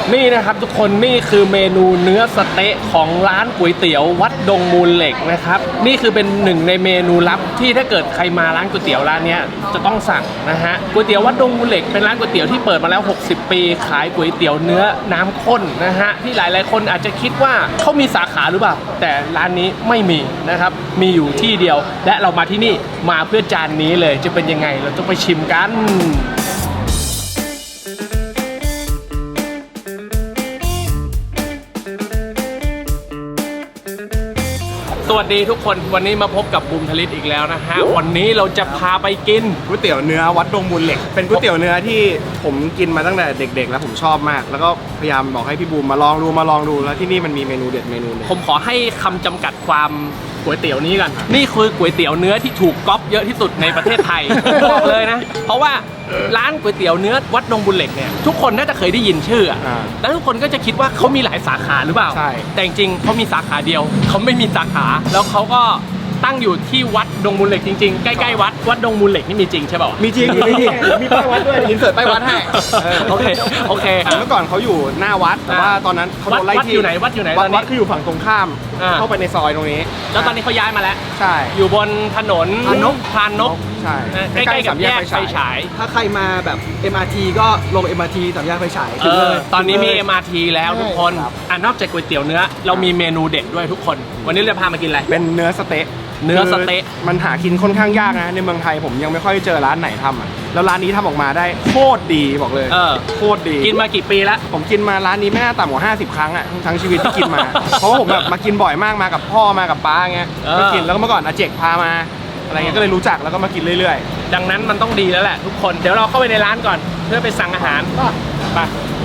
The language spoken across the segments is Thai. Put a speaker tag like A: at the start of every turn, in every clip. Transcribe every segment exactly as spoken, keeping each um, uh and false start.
A: นี่นะครับทุกคนนี่คือเมนูเนื้อสเต๊ะของร้านก๋วยเตี๋ยววัดดงมูลเหล็กนะครับนี่คือเป็นหนึ่งในเมนูลับที่ถ้าเกิดใครมาร้านก๋วยเตี๋ยวร้านนี้จะต้องสั่งนะฮะก๋วยเตี๋ยววัดดงมูลเหล็กเป็นร้านก๋วยเตี๋ยวที่เปิดมาแล้วหกสิบปีขายก๋วยเตี๋ยวเนื้อน้ำข้นนะฮะที่หลายๆคนอาจจะคิดว่าเขามีสาขาหรือเปล่าแต่ร้านนี้ไม่มีนะครับมีอยู่ที่เดียวและเรามาที่นี่มาเพื่อจานนี้เลยจะเป็นยังไงเราต้องไปชิมกันสวัสดีทุกคนวันนี้มาพบกับบูมทลิตอีกแล้วนะฮะวันนี้เราจะพาไปกิน
B: ก๋วยเตี๋ยวเนื้อวัดดงมูลเหล็กเป็นก๋วยเตี๋ยวเนื้อที่ผมกินมาตั้งแต่เด็กๆแล้วผมชอบมากแล้วก็พยายามบอกให้พี่บูมมาลองดูมาลองดูแล้วที่นี่มันมีเมนูเด็ดเมนูนึง
A: ผมขอให้คำจำกัดความก๋วยเตี๋ยวนี้กันนี่คือก๋วยเตี๋ยวเนื้อที่ถูกก๊อปเยอะที่สุดในประเทศไทย บอกเลยนะเพราะว่าร้านก๋วยเตี๋ยวเนื้อวัดดงบุญเหล็กเนี่ยทุกคนน่าจะเคยได้ยินชื่อแล้วทุกคนก็จะคิดว่าเขามีหลายสาขาหรือเปล่า
B: ใช่
A: แต่จริงๆเขามีสาขาเดียวเขาไม่มีสาขาแล้วเขาก็ตั้งอยู่ที่วัดดงมูลเหล็กจริงๆใกล้ๆวัดวัดดงมูลเหล็กนี่มีจริงใช่ป่าว
B: มีจริงมีจริงมีป้ายวัดด้วยอินเสิร์ตป้ายวัดให้
A: โอเคโอเค
B: เมื่อก่อนเขาอยู่หน้าวัดแต่ว่าตอนนั้นเขาโดนไล่ที่
A: วัดอยู่ไหนวัดอยู่ไหนตอนนี้
B: วัดคืออยู่ฝั่งตรงข้ามเข้าไปในซอยตรงนี้
A: แล้วตอนนี้เขาย้ายมาแล้ว
B: ใช่
A: อยู่บนถนน
B: พานก
A: พานก
B: ใช่
A: ใกล้ๆกับแยกไฟฉาย
C: ถ้าใครมาแบบ เอ็ม อาร์ ที ก็ลง เอ็ม อาร์ ที สามแยกไฟฉาย
A: เออตอนนี้มี เอ็ม อาร์ ที แล้วทุกคนอ่ะนอกจากก๋วยเตี๋ยวเนื้อเรามีเมนูเด็ดด้วยทุกคนวันนี้เราพามากินอะไร
B: เป็นเนื้อสเต๊ะ
A: เนื้อสเต๊ะ
B: มันหากินค่อนข้างยากนะในเมืองไทยผมยังไม่ค่อยเจอร้านไหนทำอ่ะแล้วร้านนี้ทำออกมาได้โคตรดีบอกเลย
A: เออ
B: โคตรดี
A: กินมากี่ปีแล้ว
B: ผมกินมาร้านนี้ไม่น่าต่ำกว่าห้าสิบครั้งอ่ะทั้งชีวิตที่กินมา เพราะว่าผมแบบมากินบ่อยมากมากับพ่อมากับป้าเงี้ยก็กินแล้วก็เมื่อก่อนอาเจกพามาอะไรเงี้ยก็เลยรู้จักแล้วก็มากินเรื่อย
A: ๆดังนั้นมันต้องดีแล้วแหละทุกคนเดี๋ยวเราเข้าไปในร้านก่อนเพื่อไปสั่งอาหารไป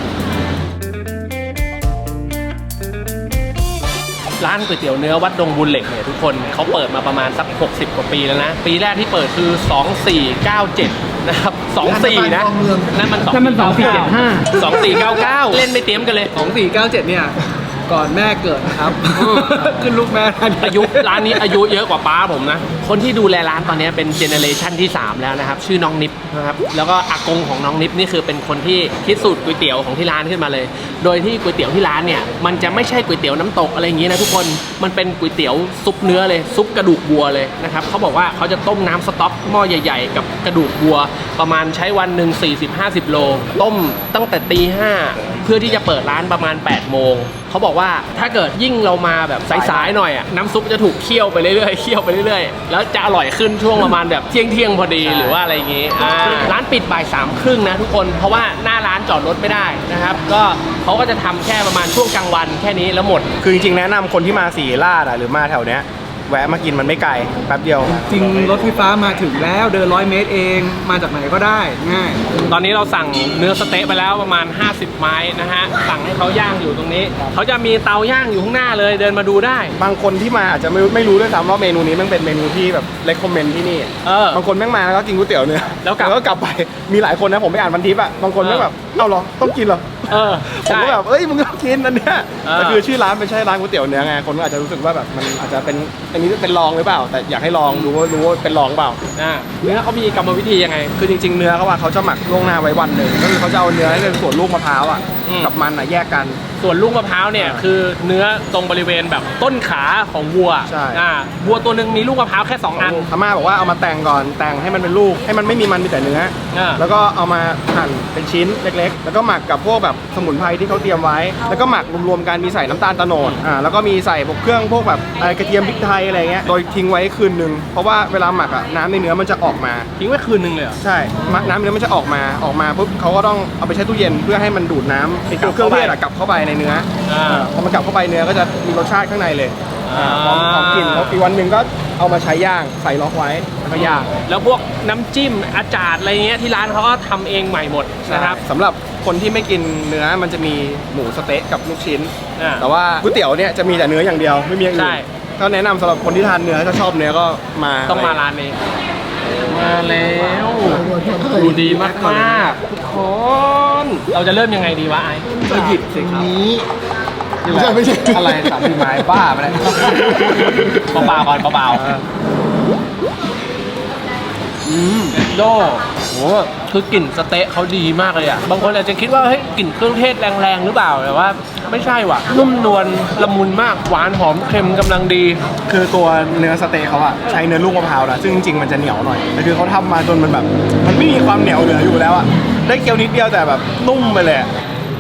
A: ร้านก๋วยเตี๋ยวเนื้อวัดดงบุญเหล็กเนี่ยทุกคนเขาเปิดมาประมาณสักหกสิบกว่าปีแล้วนะปีแรกที่เปิดคือสองสี่เก้าเจ็ดนะครับสองสี่นะนั่นมัน
C: นั่นมันสองสี่เจ็ดห้า
A: สองสี่เก้าเก้าเล่นไม่เตรียมกันเลย
C: สองสี่เก้าเจ็ดเนี่ยก่อนแม่เกิดนะครับขึ้นลูกแม่
A: อายุร้านนี้อายุเยอะกว่าป้าผมนะคนที่ดูแลร้านตอนนี้เป็นเจเนเรชันที่สามแล้วนะครับชื่อน้องนิฟนะครับแล้วก็อากงของน้องนิฟนี่คือเป็นคนที่คิดสูตรก๋วยเตี๋ยวของที่ร้านขึ้นมาเลยโดยที่ก๋วยเตี๋ยวที่ร้านเนี่ยมันจะไม่ใช่ก๋วยเตี๋ยวน้ำตกอะไรอย่างงี้นะทุกคนมันเป็นก๋วยเตี๋ยวซุปเนื้อเลยซุปกระดูกวัวเลยนะครับเขาบอกว่าเขาจะต้มน้ำสต๊อกหม้อใหญ่ๆกับกระดูกวัวประมาณใช้วันหนึ่ง สี่สิบ ห้าสิบ โลต้มตั้งแต่ตีห้าเพื่อที่จะเปิดร้านประมาณแปดโมงเขาบอกว่าถ้าเกิดยิ่งเรามาแบบสายๆหน่อยอ่ะน้ำซุปจะถูกเคี่ยวไปเรื่อยๆเคี่ยวไปเรื่อยๆแล้วจะอร่อยขึ้นช่วงประมาณแบบเที่ยงเที่ยงพอดีหรือว่าอะไรอย่างงี้อ่าร้านปิดบ่ายสามครึ่งนะทุกคนเพราะว่าหน้าร้านจอดรถไม่ได้นะครับก็เขาก็จะทำแค่ประมาณช่วงกลางวันแค่นี้แล้วหมด
B: คือจริงๆแนะนำคนที่มาศรีราชหรือมาแถวเนี้ยแวะมากินมันไม่ไกลแป๊บเดียว
C: จริงรถไฟฟ้ามาถึงแล้วเดินร้อยเมตรเองมาจากไหนก็ได้ง่าย
A: ตอนนี้เราสั่งเนื้อสเต๊ะไปแล้วประมาณห้าสิบไม้นะฮะสั่งให้เขาย่างอยู่ตรงนี้เขาจะมีเตาย่างอยู่ข้างหน้าเลยเดินมาดูได้
B: บางคนที่มาอาจจะไม่ไม่รู้ด้วยซ้ำว่าเมนูนี้มันเป็นเมนูที่แบบเรคคอมเมนต์ที่นี่บางคนแม่งมาแล้วก็กินก๋วยเตี๋ยวเนื้อ
A: แล้ว
B: ก็กลับไปมีหลายคนนะผมไปอ่านพันทิปอ่ะบางคนแม่งแบบเอ้าเหรอต้องกินเหรอ
A: เออ
B: ผมก็แบบเอ้ยมึงก็กินอันเนี้ยแต่คือชื่อร้านไม่ใช่ร้านก๋วยเตี๋ยวเนื้อไงคนก็อาจจะรู้สึกว่าแบบมันอาจจะเป็นอันนี้เป็นรองหรือเปล่าแต่อยากให้ลองรู้ว่ารู้ว่าเป็นรองเปล่า
A: เนื้อเขามีกรรมวิธียังไง
B: คือจริงๆเนื้อเขาว่าเขาจะหมักล่วงหน้าไว้วันหนึ่งก็คือเขาจะเอาเนื้อในส่วนลูกมะพร้าวอ่ะกับมันอ่ะแยกกัน
A: ส่วนลูกมะพร้าวเนี่ยคือเนื้อตรงบริเวณแบบต้นขาของวัว
B: ใช่
A: วัวตัวหนึ่งมีลูกมะพร้าวแค่สองอัน
B: อาม่าบอกว่าเอามาแต่งก่อนแต่งให้มันเป็นลูกให้มันไม่มีมันมีแต่เนื้อแล้วก็เอามาหั่นเป็นชิ้นเล็กๆแล้วก็หมักกับพวกแบบสมุนไพรที่เขาเตรียมไว้แล้วก็หมักรวมๆกันมีใส่น้ำตาลตะโนดอ่าแล้วก็มีใส่พวกเครื่องพวกแบบกระเทียมพริกไทยอะไรเงี้ยโดยทิ้งไว้คืนนึงเพราะว่าเวลาหมักอ่ะน้ำในเนื้อมันจะออกมา
A: ทิ้งไว้คืนนึงเลยเหรอ
B: ใช่น้ำเนื้อมันจะออกมาออกมาปุ๊บเขาก็ต้องเอาไปแช่ตู้เย็นเพื่อให้มันดูดน้ำเครื่องเทศกลับเข้าไปในเนื้อพอมันกลับเข้าไปเนื้อก็จะมีรสชาติข้างในเลยพร้อมพร้อมกินแล้วอีกวันหนึ่งก็เอามาใช้ย่างใส่ล็อกไว้แล้วก็ย่าง
A: แล้วพวกน้ำจิ้มอาจารย์อะไรเงี้ยที่ร้านเขาก็ทำเองใหม่หมดนะครับ
B: สำหรับคนที่ไม่กินเนื้อมันจะมีหมูสเต๊ะกับลูกชิ้นแต่ว่าก๋วยเตี๋ยวเนี่ยจะมีแต่เนื้ออย่างเดียวไม่มีอย่างอื่นก็แนะนำสำหรับคนที่ทานเนื้อถ้าชอบเนื้อก็มา
A: ต้องมาร้านนี้มาแล้วดูดีมากมากทุกคนเราจะเริ่มยังไงดีวะไอ้
C: ก็หยิบสิครับ
B: ไม่ใช่ไม่ใช่อะไรสามสี่ไม้บ้าไปเลย
A: เบาๆก่อนเบาอืมโดโหคือกลิ่นสเต๊ะเขาดีมากเลยอ่ะบางคนอาจจะคิดว่าเฮ้ยกลิ่นเครื่องเทศแรงๆหรือเปล่าแต่ว่าไม่ใช่ว่ะนุ่มนวลละมุนมากหวานหอมเค็มกำลังดี
B: คือตัวเนื้อสเต๊กเขาอะใช้เนื้อลูกมะพร้าวนะซึ่งจริงๆมันจะเหนียวหน่อยแต่คือเขาทำมาจนมันแบบ มันไม่มีความเหนียวเหลืออยู่แล้วอะได้เคี้ยวนิดเดียวแต่แบบนุ่มไปเลยอะ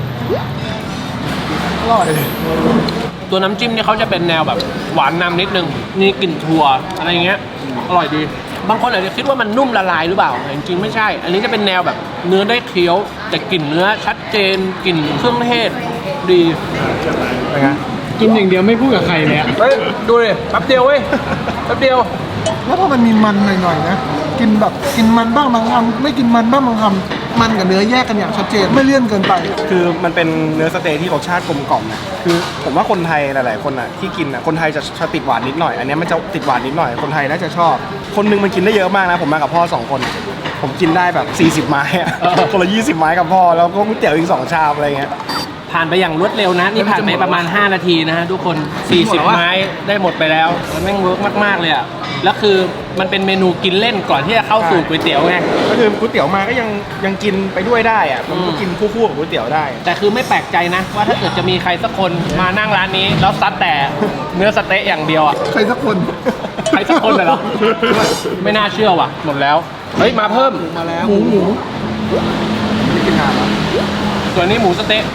B: อร่อย
A: ตัวน้ำจิ้มเนี่ยเขาจะเป็นแนวแบบหวานนำนิดนึงมีกลิ่นถั่วอะไรอย่างเงี้ยอร่อยดีบางคนอาจจะคิดว่ามันนุ่มละลายหรือเปล่าแต่จริงๆไม่ใช่ อันนี้จะเป็นแนวแบบเนื้อได้เคี้ยวแต่กลิ่นเนื้อชัดเจนกลิ่นเครื่องเทศดี
B: เป็นไง
D: กินอย่างเดียวไม่พูดกับใครเลยอะ
A: เฮ้ยดูดิแป๊บเดียวเว้ยแป๊บเดียว
E: แล้วพอมันมีมันหน่อยๆนะกินแบบกินมันบ้างบางคำไม่กินมันบ้างบางคำมันกับเนื้อแยกกันอย่างชัดเจนไม่เลี่ยนเกินไป
B: คือมันเป็นเนื้อสเต๊กที่รสชาติกลมกล่อมนะคือผมว่าคนไทยหลายๆคนอ่ะที่กินอ่ะคนไทยจะจะติดหวานนิดหน่อยอันนี้มันจะติดหวานนิดหน่อยคนไทยน่าจะชอบ คนหนึงมันกินได้เยอะมากนะผมมากับพ่อสองคน ผมกินได้แบบสี่สิบไม้อะ
A: เออ
B: คนละยี่สิบไม้กับพ่อแล้วก็ก๋วยเตี๋ยวอีกสองชามอะไรเงี้ย
A: ผ่านไปอย่างรวดเร็วนะนี่ผ่านไปประมาณห้านาทีนะฮะทุกคนสี่สิบไม้ได้หมดไปแล้วมันแม่งเวิร์กมากๆเลยอ่ะแล้วคือมันเป็นเมนูกินเล่นก่อนที่จะเข้าสู่ก๋วยเตี๋ยวไง
B: ก็คือก๋วยเตี๋ยวมาก็ยังยังกินไปด้วยได้อะมันก็
A: อืม
B: กินคู่ๆกับก๋วยเตี๋ยวได้
A: แต่คือไม่แปลกใจนะว่าถ้าเกิดจะมีใครสักคนมานั่งร้านนี้แล้วซัดแต่เนื้อสเต๊ะอย่างเดียวอ่ะ
E: ใครสักคน
A: ใครสักคนเลยเหรอ ไม่น่าเชื่อว่ะหมดแล้วเฮ้ยมาเพิ่ม
C: มาแล้ว
E: หมูหมู
B: ไม่กินนานแล้ว
A: ส่วนนี้หมูสเต๊ะ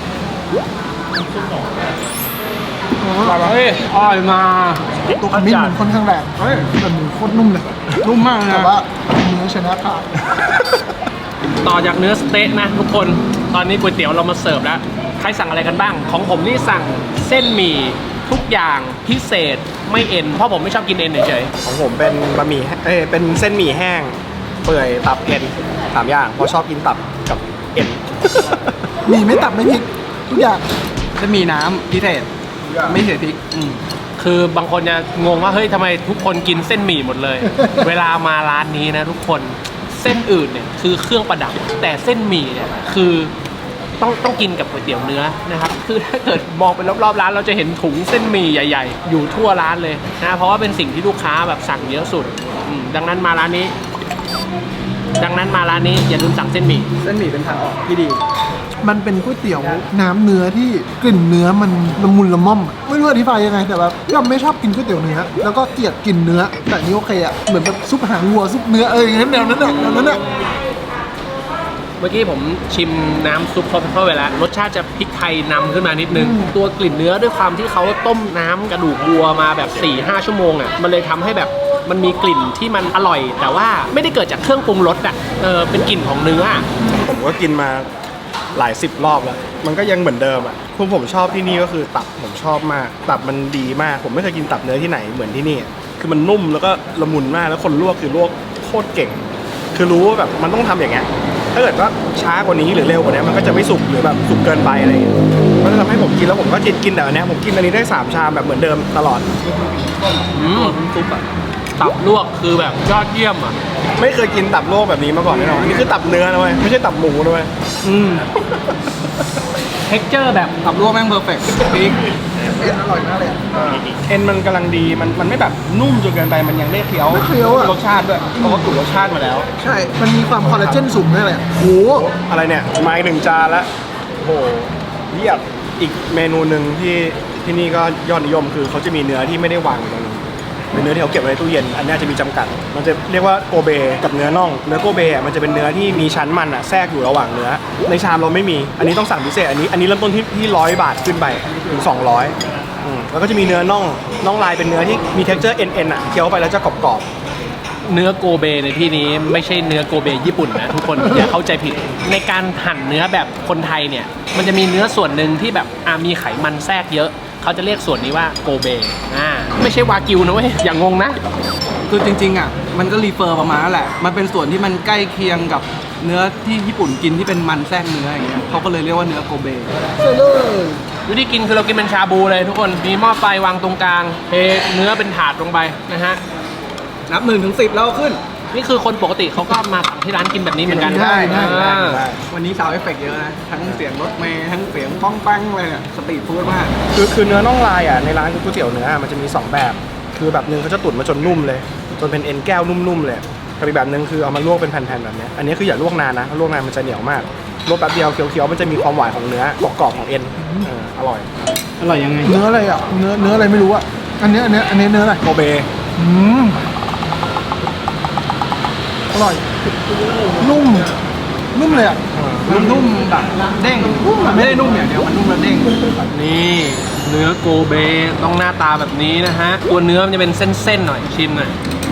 E: อ๋อ
A: เฮ้ยอร่อยมา
E: ตัวขมิ้นมันค่อนข้างแรงเฮ้ยแต่หมูโคตรนุ่มเลย
C: นุ่มมากเลย
E: แต่
C: นะ
E: ว่าเนื้อชนะขาด
A: ต่อจากเนื้อสเต๊ะนะทุกคนตอนนี้ก๋วยเตี๋ยวเรามาเสิร์ฟแล้วใครสั่งอะไรกันบ้าง ของผมนี่สั่งเส้นหมี่ทุกอย่างพิเศษไม่เอ็นเพราะผมไม่ชอบกินเอ็นเฉย
B: ของผมเป็นบะหมี่แห้งเอ้ยเป็นเส้นหมี่แห้งเปื่อยตับเอ็นสามอย่างเพราะชอบกินตับกับเอ็น
E: มีไม่ตับไม่พริกทุกอย่าง
C: จะมีน้ำพิเศษไม่ใส่พริก
A: ๆอืมคือบางคนจะงงว่าเฮ้ยทำไมทุกคนกินเส้นหมี่หมดเลย เวลามาร้านนี้นะทุกคนเส้นอื่นเนี่ยคือเครื่องประดับ แต่เส้นหมี่เนี่ยคือต้องต้องกินกับก๋วยเตี๋ยวเนื้อนะครับคือถ้าเกิดมองไปรอบๆร้านเราจะเห็นถุงเส้นหมี่ใหญ่ ๆ อยู่ทั่วร้านเลยนะเพราะว่าเป็นสิ่งที่ลูกค้าแบบสั่งเยอะสุดอืมดังนั้นมาร้านนี้ ดังนั้นมาร้านนี้อย่าลืมสั่งเส้นหมี่
C: เส้นหมี่เป็นทางออกที่ดี
E: มันเป็นก๋วยเตี๋ยวน้ำเนื้อที่กลิ่นเนื้อมันละมุนละม่อมอะไม่รู้อธิบายยังไงแต่แบบย่อมไม่ชอบกินก๋วยเตี๋ยวเนื้อแล้วก็เกลียดกลิ่นเนื้อแต่นี่โอเคอ่ะเหมือนแบบซุปหางวัวซุปเนื้อเอออย่างนั้นแนวนั้นอ่ะแนวนั้นอ่ะ
A: เมื่อกี้ผมชิมน้ำซุปเขาเข้าไปแล้วรสชาติจะพริกไทยนำขึ้นมานิดนึง ตัวกลิ่นเนื้อด้วยความที่เขาต้มน้ำกระดูกวัวมาแบบ สี่ห้า ชั่วโมงอ่ะมันเลยทำให้แบบมันมีกลิ่นที่มันอร่อย แต่ว่าไม่ได้เกิดจากเครื่องปรุงรสอ่ะเออเป็นกลิ่นของเนื้ออะ
B: ผมก็กินมาหลายสิบรอบแล้ว มันก็ยังเหมือนเดิมอ่ะพวกผมชอบที่นี่ก็คือตับผมชอบมาก ตับมันดีมาก ผมไม่เคยกินตับเนื้อที่ไหนเหมือนที่นี่ คือมันนุ่มแล้วก็ละมุนมาก แล้วคนลวกคือลวกโคตรเก่ง คือรู้ว่าแบบมันต้องทำอย่างเงี้ย ถ้าเกิดว่าช้ากว่านี้หรือเร็วกว่านี้มันก็จะไม่สุกหรือแบบสุกเกินไปอะไรอย่างเงี้ยมันจะทำให้ผมกินแล้วผมก็กินกินแต่อันเนี้ยผมกินอันนี้ได้สามชามแบบเหมือนเดิมตลอด
A: อืมซุปอะตับลวกคือแบบยอดเยี่ยมอ่ะ
B: ไม่เคยกินตับโลกแบบนี้มาก่อนแน่นอนอันนี่คือตับเนื้อนะเว้ยไม่ใช่ตับหมูนะเว้ย
A: อืมเท็กเจอร์แบบ
C: ตับลวกแม่งเพอร์เฟกต์พริก
E: เอ็นอร่อยมากเลยอะ
B: เอ็นมันกำลังดี มันมันไม่แบบนุ่มจนเกินไป มันยังได้เคี้ยว
E: ได้เคี้ยวอะ
B: รสชาติด้วยเพราะว่าถูกรสชาติมาแล้ว
E: ใช่ มันมีความคอลลาเจนสูงด้วยเลยอะโห
B: อะไรเนี่ยมาอีกหนึ่งจานละโอ้โหเยียบอีกเมนูหนึ่งที่ที่นี่ก็ยอดนิยมคือเขาจะมีเนื้อที่ไม่ได้วางอยู่ตรงนี้เป็นเนื้อที่เขาเก็บไว้ในตู้เย็น อันนี้จะมีจำกัด มันจะเรียกว่าโกเบกับเนื้อน่อง เนื้อโกเบอ่ะมันจะเป็นเนื้อที่มีชั้นมันอ่ะแทรกอยู่ระหว่างเนื้อ ในชามเราไม่มี อันนี้ต้องสั่งพิเศษ อันนี้อันนี้เริ่มต้นที่ที่ร้อยบาทขึ้นไปถึงสองร้อยอืมแล้วก็จะมีเนื้อน่อง น่องลายเป็นเนื้อที่มี texture เอ็นเอ็นอ่ะเคี้ยวไปแล้วจะกรอบๆ
A: เนื้อโกเบในที่นี้ไม่ใช่เนื้อโกเบญี่ปุ่นนะทุกคน อย่าเข้าใจผิดในการหั่นเนื้อแบบคนไทยเนี่ยมันจะมีเนื้อส่วนหนึ่งที่แบบอ่ามีไขมันแทรกเยอะเขาจะเรียกส่วนนี้ว่าโกเบอ่าไม่ใช่วากิวนะเว้ยอย่างงงนะ
C: คือจริงๆอ่ะมันก็รีเฟอร์ประมาณนั่นแหละ มันเป็นส่วนที่มันใกล้เคียงกับเนื้อที่ญี่ปุ่นกินที่เป็นมันแทรกเนื้ออย่างเงี้ยเขาก็เลยเรียกว่าเนื้อโกเบ
E: ใช่เลย
A: วิธีกินคือเรากินเป็นชาบูเลยทุกคนมีหม้อไฟวางตรงกลางเทเนื้อเป็นถาดลงไปนะฮะ
C: นับหนึ่งถึงสิบแล้วขึ้น
A: นี่คือคนปกติเขาก็มาสั่งที่ร้านกินแบบนี้เหมือนกัน
E: ได้ได้
A: อ่า
C: วันนี้ซาวด์เอฟเฟกต์เยอะนะ ทั้งเสียงรถเมย์ทั้งเสียงป้องแป้งเลยเนี่ยสตรีทฟู้ดมาก
B: คือคือเนื้อน่องลายอ่ะในร้านก๋วยเตี๋ยวเนื้อมันจะมีสองแบบ คือแบบหนึงเขาจะตุ๋นมาจนนุ่มเลย จนเป็นเอ็นแก้วนุ่มๆเลยกับอีกแบบหนึ่งคือเอามาลวกเป็นแผ่นๆแบบเนี้ยอันนี้คืออย่าลวกนานนะถ้าลวกนานมันจะเหนียวมากลวกแป๊บเดียวเคี้ยวๆมันจะมีความหวานของเนื้อกรอบๆของเอ็นเอออร่อย
D: อร่อยยังไง
E: เนื้ออะไรอ่ะเนื้อเนื้ออะไรไม่รู้อ่ะอันเนี้ยอันเนี้ยอันนี้เนื้ออะไร
B: โกเบ
E: อืมอร่อยนุ่มนุ่มเลยอ่ะ
C: มันนุ่มแบบเด้งมันไม่ได้นุ่มอย่างเดียวมันนุ่มแล้วเด้ง
A: นี่เนื้อโกเบต้องหน้าตาแบบนี้นะฮะตัวเนื้อมันจะเป็นเส้นๆหน่อยชิมหน่อย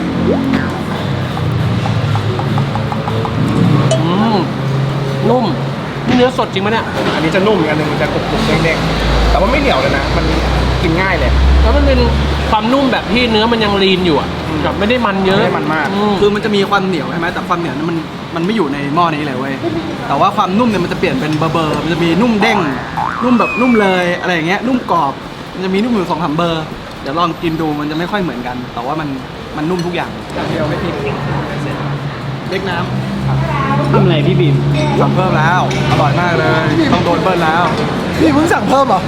A: อืมนุ่มนี่เนื้อสดจริงไหมเนี่ย
B: อันนี้จะนุ่มอีกอันหนึงมันจะกรุบๆเด้งๆแต่ว่าไม่เหนียวเลยนะมันกินง่ายเลย
A: แล้วมันเป็นความนุ่มแบบที่เนื้อมันยังลีนอยู่อ่ะแบบไม่ได้มันเยอะ
B: ไม่ได้มันมาก
A: อื
C: คือมันจะมีความเหนียวใช่ไหมแต่ความเหนียวนั้นมันมันไม่อยู่ในหม้อนี้เลยเว้ยแต่ว่าความนุ่มเนี่ยมันจะเปลี่ยนเป็นเบอร์เบอร์มันจะมีนุ่มเด้งนุ่มแบบนุ่มเลยอะไรอย่างเงี้ยนุ่มกรอบมันจะมีนุ่มอยู่สองสามเบอร์เดี๋ยวลองกินดูมันจะไม่ค่อยเหมือนกัน แต่ว่ามันมันนุ่มทุกอย่างเดียวไม่ผิดเล็กน้ำ
D: ทำอะไรพี่บีม
C: สั่งเพิ่มแล้วอร่อยมากเลยต้องโดนเบิ้ลแล้ว
E: นี่เพิ่งสั่งเพิ่มเหรอ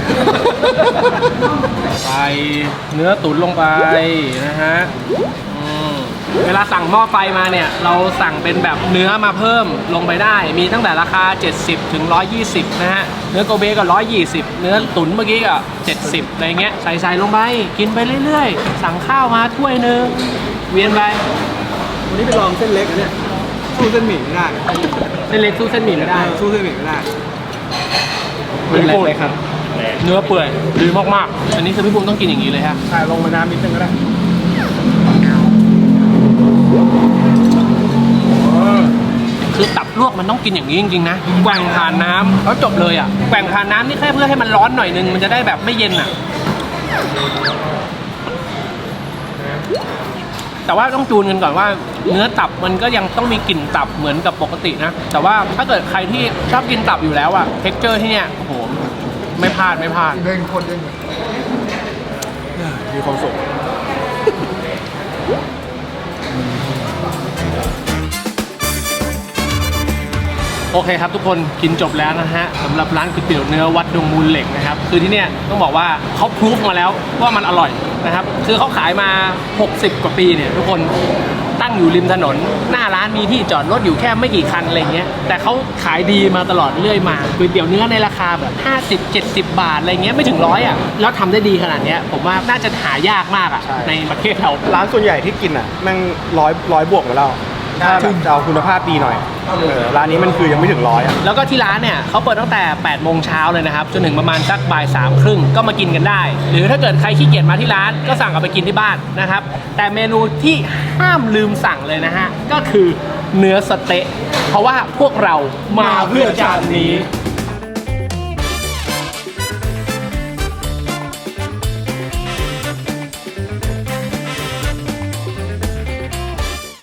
A: ใส่เนื้อตุ๋นลงไปนะฮะอืมเวลาสั่งหม้อไฟมาเนี่ยเราสั่งเป็นแบบเนื้อมาเพิ่มลงไปได้ มีตั้งแต่ราคาเจ็ดสิบถึงหนึ่งร้อยยี่สิบนะฮะเนื้อโกเบก็หนึ่งร้อยยี่สิบเนื้อตุ๋นเมื่อกี้ก็เจ็ดสิบอะไรเงี้ยใส่ใส่ลงไปกินไปเรื่อยๆสั่งข้าวมาถ้วยหนึงเวียนไป
C: วันนี้ไปลองเส้นเล็กอันเนี่ยสู้เส้นหมี่ไม่ได้
A: เส้นเล็กสู้เส้นหมี่ไม่ได้
C: เออสู้เส้นหมี่ไม่ได้
A: พี่ปุ้มเลยครับเนื้อเปื่อยดีมากๆอันนี้คือพี่ปุ้มต้องกินอย่างนี้เลยฮะ
B: ใช่ลงมาน้ำนิดนึงก็ได้
A: คือตับลวกมันต้องกินอย่างนี้จริงๆนะแกว่งผ่านน้ำแล้วจบเลยอ่ะแกว่งผ่านน้ำนี่แค่เพื่อให้มันร้อนหน่อยนึงมันจะได้แบบไม่เย็นอ่ะแต่ว่าต้องจูนกันก่อนว่าเนื้อตับมันก็ยังต้องมีกลิ่นตับเหมือนกับปกตินะแต่ว่าถ้าเกิดใครที่ชอบกินตับอยู่แล้วอะเท็กเจอร์ที่เนี่ยโอ้โหไม่พลาดไม่พลาด
E: เด้งคนเด้ง
B: มีความสุข
A: โอเคครับทุกคนกินจบแล้วนะฮะสำหรับร้านก๋วยเตี๋ยวเนื้อวัดดงมูลเหล็กนะครับคือที่เนี่ยต้องบอกว่าเขาพรูฟมาแล้วว่ามันอร่อยนะครับคือเขาขายมาหกสิบกว่าปีเนี่ยทุกคนตั้งอยู่ริมถนนหน้าร้านมีที่จอดรถอยู่แค่ไม่กี่คันอะไรเงี้ยแต่เขาขายดีมาตลอดเรื่อยมาก๋วยเตี๋ยวเนื้อในราคาแบบห้าสิบ เจ็ดสิบบาทอะไรเงี้ยไม่ถึงร้อยอ่ะแล้วทำได้ดีขนาดเนี้ยผมว่าน่าจะหายากมากอ่ะ
B: ใช่
A: ในประเทศเรา
B: ร้านส่วนใหญ่ที่กินอ่ะแม่งร้อยร้อยบวกมาแล้วถ้าแบบจะเอาคุณภาพดีหน่อยเออร้านนี้มันคือยังไม่ถึงร้อยอ่ะ
A: แล้วก็ที่ร้านเนี่ยเขาเปิดตั้งแต่แปดโมงเช้าเลยนะครับจนถึงประมาณสักบ่ายสามครึ่งก็มากินกันได้ หรือถ้าเกิดใครขี้เกียจมาที่ร้านก็สั่งกลับไปกินที่บ้านนะครับแต่เมนูที่ห้ามลืมสั่งเลยนะฮะก็คือเนื้อสเต๊ะเพราะว่าพวกเรามาเพื่อจานนี้